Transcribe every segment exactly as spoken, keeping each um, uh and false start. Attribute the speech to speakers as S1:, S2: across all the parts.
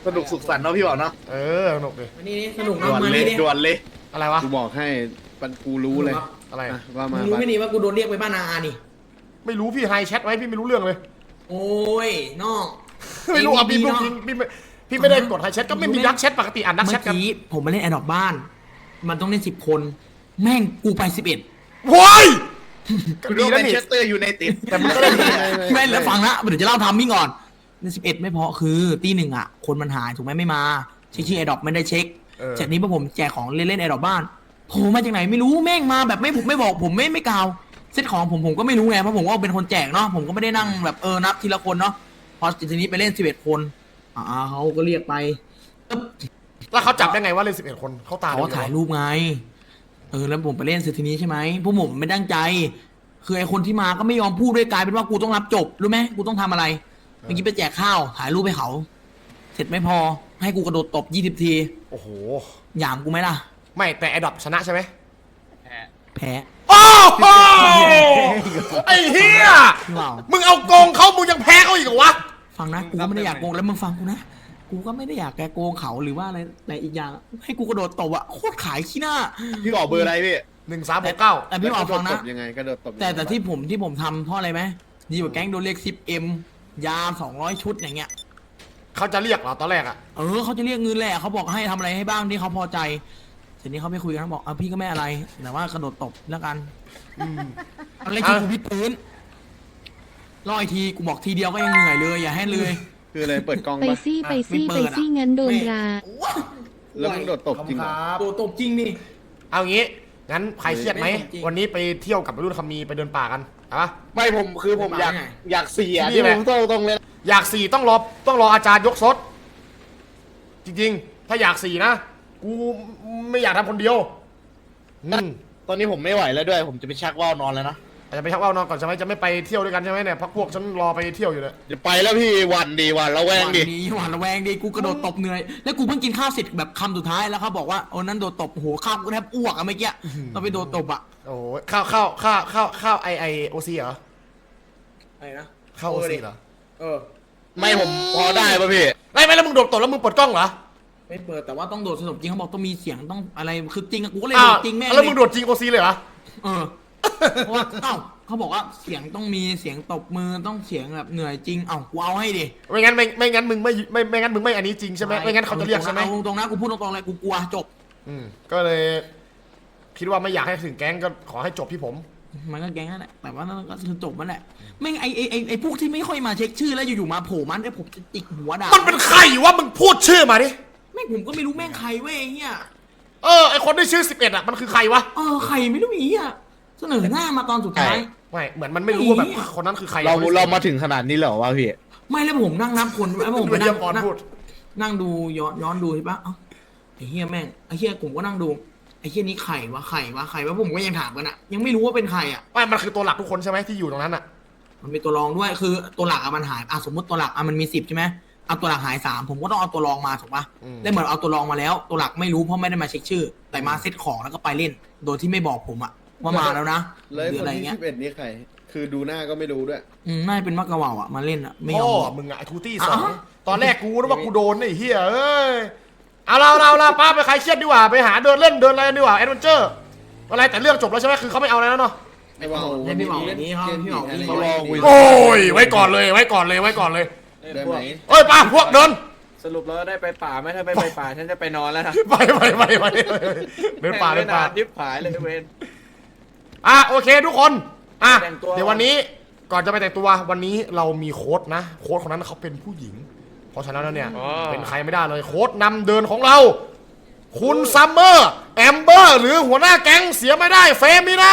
S1: สนุกสุขสันต์เนาะพี่บอกเนาะ
S2: เออสนุกดิ
S3: มานี่สนุก
S1: ด่
S3: นะ
S1: วน
S3: มา
S1: เลย
S3: นี่
S1: ด่วนเลย
S2: อะไรวะ
S4: กูบอกให้ปันกูรู้เลย
S2: อะไร
S4: อ่ะว่า
S3: มึ
S4: มาง
S3: รู้
S4: ปะ
S3: ไหมนี่ว่ากูโดนเรียกไปบ้านอานี่
S2: ไม่รู้พี่ไฮแชทไว้พี่ไม่รู้เรื่องเลย
S3: โอ้ยนอก
S2: ไม่รู้อ่ะพี่พูด
S3: เนาะ
S2: จริงพี่ไม่พี่ไม่ได้กดไฮแชทก็ไม่มีดักแชทปกติอ่านดักแช
S3: เมื่
S2: ท
S3: อ
S2: กัน
S3: กี้ผมมาเล่นแอดดอกบ้าน มันต้องเล่นสิบคน แม่งกูไปสิบเอ็ด
S2: โว้ยก็
S1: คุณ
S2: ดี
S1: รู้
S2: นะ
S1: แมน
S2: นี่
S1: เชสเตอร์ยูไนเต็ด
S2: แต่มันก็ได้ดี
S3: แม่งแล้วฟังนะเดี๋ยวจะเล่าทามมิ่งก่อนในสิบเอ็ดไม่พอคือตีหนึ่งอ่ะคนมันหายถูกไหมไม่มาเช็คชื่อแอดดอกไม่ได้เช็คจากนี้พอผมแจกของเล่นเล่นแอดดอกบ้านโผล่มาจากไหนไม่รู้แม่งมาแบบไม่ไม่บอกผมไม่ไม่กล่าวเซตของผมผมก็ไม่รู้ไงเพราะผมว่าเป็นคนแจกเนาะผมก็ไม่ได้นั่งแบบเออนับทีละคนเนาะพอทีนี้ไปเล่นสิบเอ็ดคนอ่าเขาก็เรียกไป
S2: แล้วเขาจับได้ไงว่าเล่นสิบเอ็ดคนเขาตา
S3: เขาถ่ายรูปไงเออแล้วผมไปเล่นเสร็จทีนี้ใช่ไหมพวกผมไม่ตั้งใจคือไอคนที่มาก็ไม่ยอมพูดด้วยกลายเป็นว่ากูต้องรับจบรู้ไหมกูต้องทำอะไรเมื่อกี้ไปแจกข้าวถ่ายรูปให้เขาเสร็จไม่พอให้กูกระโดดตบยี่สิบที
S2: โอ้โห
S3: หยามกูไหมล่ะ
S2: ไม่แต่ไอดอปชนะใช่ไหม
S3: แพ้
S2: โอ้โหไอ้เฮีย
S3: พี่ว่าว
S2: มึงเอาโกงเขามึงยังแพ้เขาอีกเหรอวะ
S3: ฟังนะกูก็ไม่ได้อยากโกงแล้วมึงฟังกูนะกูก็ไม่ได้อยากแกโกงเขาหรือว่าอะไรแต่อีกอย่างให้กูกระโดดตบอะโคตรขายขี้หน้า
S1: พี่บอกเบอร์อะไรพี่
S2: หนึ่งสามหกเก้า
S3: แต่พี่ว่าวฟังนะ
S4: กระโดดตบยังไงกระโดดตบยังไง
S3: แต่แต่ที่ผมที่ผมทำเพราะอะไรไหมดีกว่าแก๊งโดนเรียกซิปเอ็มยาสองร้อยชุดอย่างเงี้ย
S2: เขาจะเรียกเหรอตอนแรกอะ
S3: เออเขาจะเรียกเงินแหละเขาบอกให้ทำอะไรให้บ้างที่เขาพอใจทีนี้เขาไปคุยกันเขาบอกอ่ะพี่ก็ไม่อะไรแต่ว่ากระโดดตบแล้วกันอะไรที่กูพี่ปืนรออีกทีกูบอกทีเดียวก็ยังเหนื่อยเลยอย่าให้เลย
S4: คืออะไรเปิดกล้อง
S5: ไป
S4: ปะ
S5: ซี่ไปซี่
S3: ไม่
S5: ไป
S3: เปิดอะ
S5: ซี่งั้นโดนรา
S4: แล้วมึงโดดตบจริงเหรอ
S3: โดดตบจริงนี่
S2: เอางี้งั้นใครเครียดไหม
S3: ไม่จริง
S2: วันนี้ไปเที่ยวกับวัยรุ่นคำมีไปเดินป่ากันเอาปะ
S1: ไม่ผมคือผมอยาก
S3: ไม่
S1: อยากเสีย
S2: ที่นี่
S1: ที่
S2: ไหม
S1: ผมต้องตรงเลย
S2: อยากสี่ต้องรอต้องรออาจารย์ยกซดจริงๆ ถ้าอยากสี่นะกูไม่อยากทำคนเดียวอืม
S1: ตอนนี้ผมไม่ไหวแล้วด้วย ผมจะไปชักว่าวนอนแล้วนะ
S2: อาจจะไปชักว่าวนอนก่อนใช่ไหมจะไม่ไปเที่ยวด้วยกันใช่ไหมเนี่ยพักพวกฉันรอไปเที่ยวอยู่เลย
S1: จะไปแล้วพี่หวันดีหวันระแวงดิ
S3: ดีหวานระแวงดีกูกระโดดตบเหนื่อยแล้วกูเพิ่งกินข้าวเสร็จแบบคำสุดท้ายแล้วเขาบอกว่าโอ้นั้นโดดตบโอ้โหข้าวกูแทบอ้วกอะเมื่อกี้เราไปโดดตบอะ
S2: โอ้โหข้าวข้าวข้าวข้าวข้าวไอไอโอซีเหรอ
S3: อะไรนะ
S2: ข้าวโอซีเหรอ
S3: เออ
S1: ไม่ผมพอได้ป่ะพี่
S2: ไม่ไม่แล้วมึงโดดตบแล้วมึงเปิดกล้องเหรอ
S3: ไม่เปิดแต่ว่าต้องโดดสนุกจริงเขาบอกต้องมีเสียงต้องอะไรคือจริงอะกูก็เลย
S2: อ้า
S3: โด
S2: ว
S3: ดจริงแม่ง
S2: แล้วมึง
S3: เลย
S2: โดดจริงโอซีเลยเหรอ
S3: เออเพราะว่าเอ้าเขาบอกว่าเสียงต้องมีเสียงตบมือต้องเสียงแบบเหนื่อยจริงเอ้ากูเอาให้ดิ
S2: ไม่งั้นไม่ไม่งั้นมึงไม่ไม่ไม่งั้นมึงไม่อันนี้จริงใช่ไหมไม่งั้นเขาจะเรียกใช่ไหม
S3: เอาตรงๆนะกูพูดตรงๆเลยกูกลัวจบ
S2: อืมก็เลย คิดว่าไม่อยากให้ถึงแก๊งก็ขอให้จบที่ผม
S3: มันก็แก๊งนั่นแหละแต่ว่านั่นก็คือจบมันแหละไม่งไอไอไอไอพวกที่ไม่ค่อยมาเช็คชื่อแล้วอยู่ๆมาโผล่มันไอผมจะจิกหัวด่า
S2: มันเป็นใครวะมึงพูดชื่อมาดิ
S3: แม่งผมก็ไม่รู้แม่งใครเว้ยไอ้เฮีย
S2: เออไอคนที่ชื่อสิบเอ็ดอ่ะมันคือใครวะ
S3: เออใครไม่รู้อีอ่ะเสนอหน้ามาตอนสุดท้าย
S2: ไม่เหมือนมันไม่รู้ว่าแบบ
S3: ไอ้เหี้ย
S2: คนนั้นคือใคร
S1: เราเรามาถึงขนาดนี้แล้วเหรอวะพี่
S3: ไม่แล้วผมนั่งนับคนแล้วผม
S2: ดู
S3: ไป
S2: เยี่
S3: นั่
S2: ย
S3: ง
S2: มก่อน
S3: นั่ง
S2: พูด
S3: นั่งดูย้อนย้อนดูใช่ปะเอ้าไอ้เฮียแม่งไอ้เฮียผมก็นั่งดูไอ้เฮียนี้ใครวะใครวะใครวะผมก็ยังถามกันอะยังไม่รู้ว่าเป็นใครอะ
S2: ไม่มันคือตัวหลักทุกคนใช่ไหมที่อยู่ตรงนั้นอ่ะ
S3: มันมีตัวรองด้วยคือตัวหลักอะมันหายอ่ะสมมติตัวหลักอะมันมีสิบใช่ไหมเอาตัวหลักหายสามผมก็ต้องเอาตัวรองมาถูกปะได้เหมือนเอาตัวรองมาแล้ว ตัวหลักไม่รู้เพราะไม่ได้มาเช็คชื่อ แต่มาเซ็ตของแล้วก็ไปเล่น โดยที่ไม่บอกผมอะว่ามาแล้วนะห
S4: แล้ว
S3: รือ
S4: คน
S3: อะไร
S4: ที่
S3: เงี้ย
S4: สิบเอ็ดนี่ใคร คือดูหน้าก็ไม่รู้ด้วย
S3: อืมน่าจะเป็นมักกะเหว่าอะมาเล่นอะไม่ยอ
S2: พ่อ
S3: มบอก
S2: มึงอะไอทูตี้สอง
S3: อ่ะ
S2: ตอนแรกกูนึกว่ากูโดนไอ้เหี้ยเอ้ยเอาเราเราเราป้าไปใครเครียดดีกว่าไปหาเดินเล่นเดินอะไรดีกว่าแอดเวนเจอร์อะไรแต่เรื่องจบแล้วใช่ไหมคือเขาไม่เอาอะไรแล้วเนาะ
S4: ไอ้ว่าว
S3: เล่นพี่หมออย่างนี้เขาพี่หมอวิ่ง
S4: เขารอคุย
S2: โอ้ยไว้ก่อนเลยไว้ก่อนเลยไว้ก่อนเลย
S4: ได้ไหม
S2: เอ้ยป้าพวกเดิน
S6: สรุปแล้วได้ไปป่าไหมถ้าไม่ไปป่าฉันจะไปนอนแล้วนะ
S2: ไปไปไปไปเดินป่าเดินป่า
S6: ยิบผายเลยเวน
S2: อ่ะโอเคทุกคนอ่ะ
S6: แต่งตัว
S2: เดี๋ยววันนี้ก่อนจะไปแต่งตัววันนี้เรามีโค้ดนะ โค้ดคนนั้นเขาเป็นผู้หญิง เพราะฉะนั้นแล้วเนี่ยเป็นใครไม่ได้เลยโค้ดนำเดินของเรา คุณซัมเมอร์แอมเบอร์หรือหัวหน้าแก๊งเสียไม่ได้เฟมินา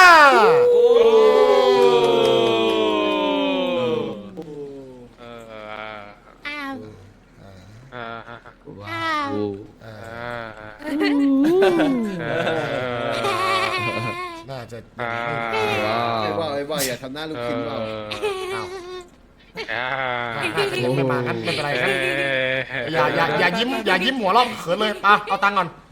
S5: อ้าว
S6: อ่า
S5: อ้าว
S6: อ่า
S2: น่าจะ
S6: อ่า
S4: ไอ้ว่าวไอ้ว่าวอย่าทำหน้าลูกชิ้นว่าว
S2: อ้าว
S6: อ่า
S2: น่าจะยังไม่มางั้นไม่เป็นไรครับอย่าอย่าอย่ายิ้มอย่ายิ้มหัวเราะเขินเลยอ่ะเอาตังค์ก่อน